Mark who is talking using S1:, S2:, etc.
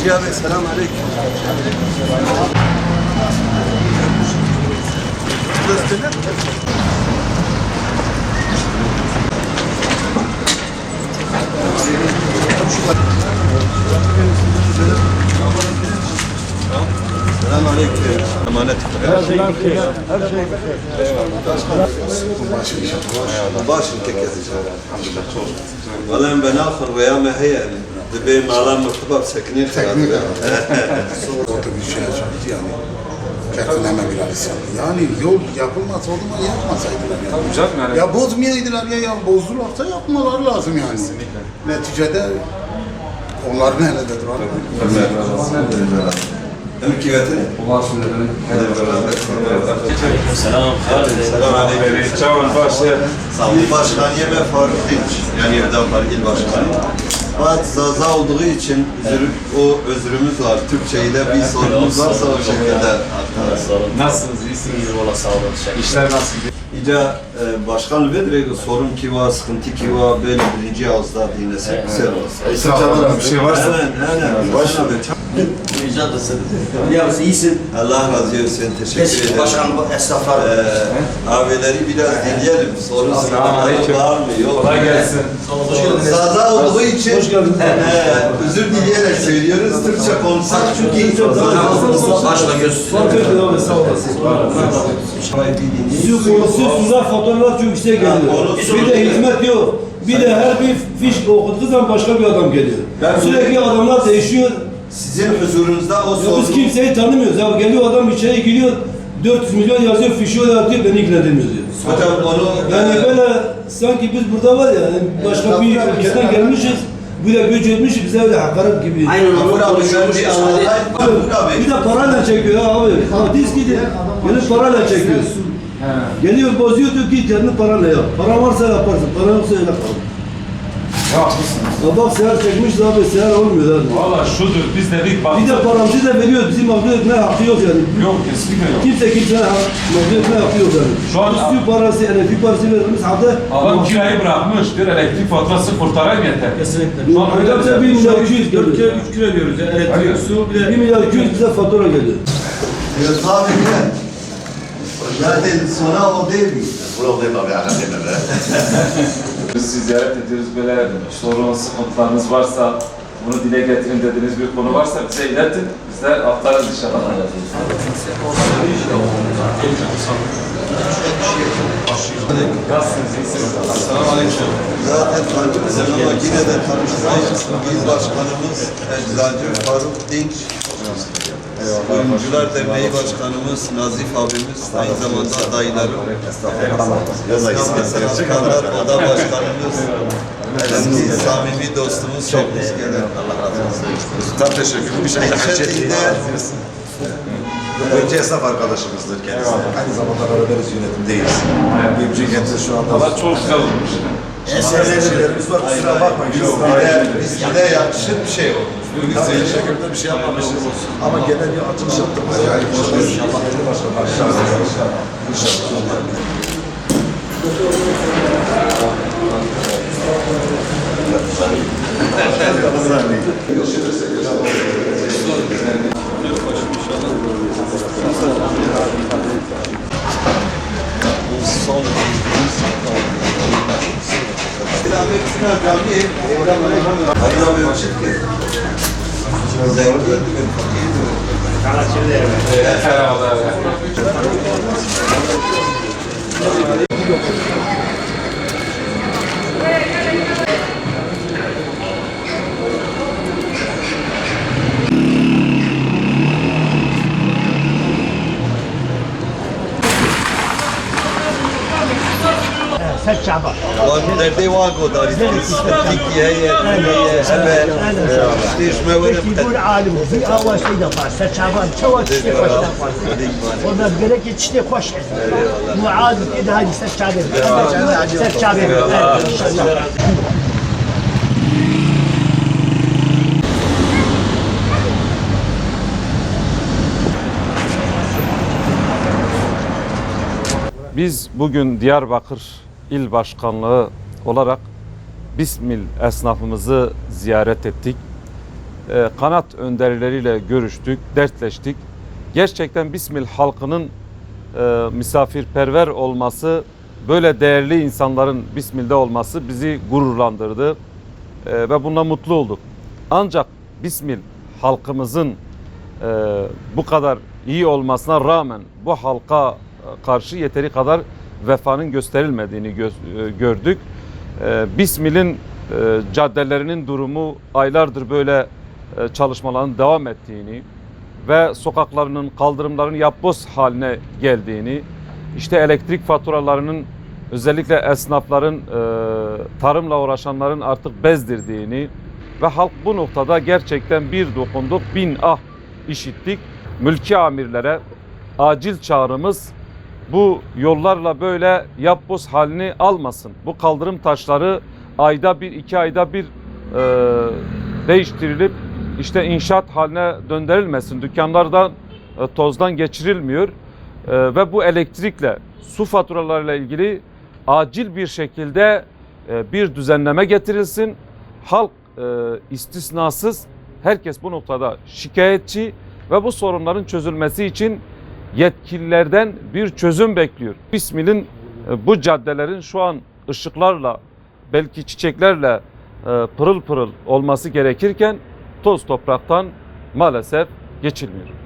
S1: Hacı abi selam aleyküm. Selam aleyküm. Emanet.
S2: Her şey
S1: Başım tek yazacağım. Vallahi ben ahır veya meheyen. Dibey malam mırtıbab sekinin
S2: teknik orada bir şey yaşadı yani. Kertinleme bir hadis yaptı. Yani yol yapılmasa o zaman yapmasaydılar yani. Ya bozmayaydılar ya bozdularsa yapmaları lazım yani. Neticede onların elindedir.
S1: Mülkiyetini.
S3: Selam.
S1: Selam aleyküm.
S3: Çavan başı.
S1: İl Başkanı ve Faruk Dinç. Yani Evdapar İl Başkanı. Fakat zaza olduğu için özrümüz var. Türkçe'yle bir sorunumuz varsa o şekilde aktarız.
S3: Nasılsınız? İyisiniz? Valla sağ olun. İşler nasıl gidiyor?
S1: İca başkan vedreydi sorun ki var, sıkıntı ki var, böyle birinci ağızda dinlesek güzel olur.
S3: Bir şey varsa.
S1: Aynen. Başkan
S4: Rica ederim. Yalnız iyisin.
S1: Allah razı olsun. Teşekkür
S4: Eski
S1: ederim.
S4: başkan esnaflar.
S1: Abileri biraz dinleyelim. Sorun sıkıntıları var mı? Yok.
S3: Kolay gelsin.
S1: Zaza olduğu için özür dileyerek söylüyoruz. Türkçe konuşsak çünkü çok
S4: Başla göz.
S5: Sizler fotoğraflar çok yüksek geliyor. Bir de hizmet yok. Bir de her bir fiş okuduğu zaman başka bir adam geliyor. Sürekli adamlar değişiyor.
S1: sizin huzurunuzda o
S5: Ya biz
S1: sorun.
S5: kimseyi tanımıyoruz. Ya geliyor adam içeri giriyor. 400 milyon yazıyor, fişi o atıyor, beni ilgilendirmiyor diyor.
S1: Hocam onu
S5: Yani böyle sanki biz burada var ya, yani başka bir ülkeden gelmişiz. Böyle göç etmişiz, bize öyle hakaret gibi.
S4: Aynen
S1: Mahmut
S4: onu
S1: abi
S4: konuşuyormuş.
S1: bir anlatayım. Mahmut abi.
S5: Bir de parayla çekiyor ya abi. Hadis gibi. Gelip parayla çekiyor. Geliyor bozuyor diyor ki kendi paranla yap. Para varsa yaparsın, para yoksa öyle kal.
S3: Ya haklısınız.
S5: Ya bak seher çekmişiz abi, seher olmuyor abi.
S3: Valla şudur. Biz dedik bak.
S5: Bir de paramızı da veriyor, bizim mağdur etme hakkı yok yani.
S3: Yok kesinlikle yok.
S5: Kimse kimseye mağdur etme hakkı yok yani.
S3: Şu an-
S5: Su parası, elektrik parası verilmiş halde.
S3: Adam kirayı bırakmış. Diyor elektrik faturası kurtarayım yeter.
S6: Kesinlikle.
S3: Şu an öyle
S5: Öyle 1 milyar 200 geliyor.
S6: 3 kilo diyoruz ya. Elektrik, su bir de
S5: 1 milyar 200 bize fatura geliyor.
S1: Yunus abi bile. Zaten sonra o değil mi?
S3: Biz sizi ziyaret ediyoruz. Böyle sorun, sıkıntılarınız varsa bunu dile getirin dediğiniz bir konu varsa bize iletin. Biz de aktarırız inşallah. Nasılsınız? İyisiniz?
S1: Selamünaleyküm. Zaten tanıştık ama yine de tanıştırayım. Biz başkanımız Eczacı Faruk Dinç. Kuyumcular Derneği Başkanımız Nazif abimiz, aynı zamanda adaylarım. Sanatkarlar Oda Başkanımız, eski samimi dostumuz Şevkimiz Gelir.
S7: Çok teşekkür Bir şey
S1: Şeklinde
S7: Önce esnaf arkadaşımızdır kendisi. Aynı zamanda beraberiz yönetimdeyiz. Kendisi şu anda
S3: Valla çok güzel olmuş.
S7: şeylerimiz var. Kusura bakmayın.
S1: bizde yakışır bir şey oldu.
S7: Biz de şekilde bir şey yapmamışız. Ama genel bir açılış yaptık. Yani inşallah belli başkanlar. İnşallah.
S1: Son Hayır abi ölçüt ki. Zengin ödüm, fakir ödüm.
S3: Merhabalar.
S1: Nerede vago da Türkiye'ye
S8: يقول عالم في اول شيء دفع شعبان شو تشتي خوش دفع وما بقولك تشتي خوش مو عالم اذا هذه شعبين شعبين ان شاء الله
S9: Biz bugün Diyarbakır İl Başkanlığı olarak Bismil esnafımızı ziyaret ettik. kanat önderleriyle görüştük, dertleştik. Gerçekten Bismil halkının misafirperver olması, böyle değerli insanların Bismil'de olması bizi gururlandırdı ve bundan mutlu olduk. Ancak Bismil halkımızın bu kadar iyi olmasına rağmen bu halka karşı yeteri kadar vefanın gösterilmediğini gördük. Bismil'in caddelerinin durumu aylardır böyle çalışmaların devam ettiğini ve sokaklarının, kaldırımların yapboz haline geldiğini, işte elektrik faturalarının özellikle esnafların, tarımla uğraşanların artık bezdirdiğini ve halk bu noktada gerçekten bir dokunduk, bin ah işittik. Mülki amirlere acil çağrımız bu yollarla böyle yapboz halini almasın. Bu kaldırım taşları ayda bir, 2 ayda bir değiştirilip işte inşaat haline döndürülmesin. Dükkanlardan tozdan geçirilmiyor ve bu elektrikle, su faturalarıyla ilgili acil bir şekilde bir düzenleme getirilsin. Halk istisnasız herkes bu noktada şikayetçi ve bu sorunların çözülmesi için yetkililerden bir çözüm bekliyor. Bismil'in bu caddelerin şu an ışıklarla, belki çiçeklerle pırıl pırıl olması gerekirken toz topraktan maalesef geçilmiyor.